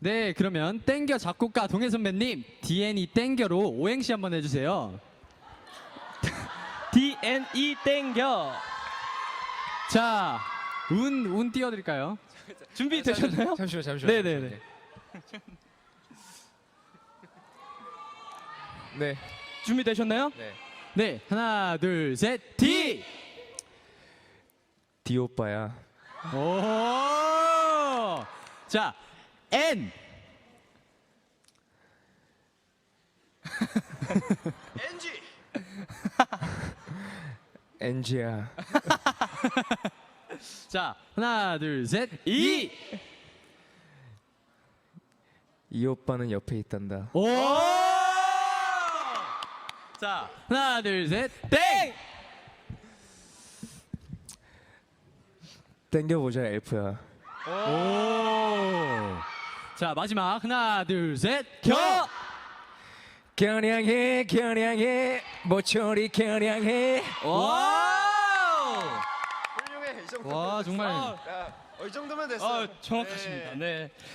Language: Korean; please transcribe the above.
네, 그러면 땡겨 작곡가 동해 선배님 DNE 땡겨로 오행시 한번 해주세요. DNE 땡겨. 자, 운 띄워드릴까요? 준비되셨나요? 잠시만. 네네네. 네. 준비되셨나요? 네. 네, 하나, 둘, 셋, D. D 오빠야. 오. 자, N. NG야. 자, 하나, 둘, 셋, E. 이 오빠는 옆에 있단다. 오. 자, 하나, 둘, 셋, 땡. 땡겨보자 엘프야. 오. 자, 마지막 하나, 둘, 셋, 겨. 겨냥해 모처리 겨냥해. 와. 훌륭해 이 정도면 와, 정말. 야, 이 정도면 됐어. 정확하십니다. 네.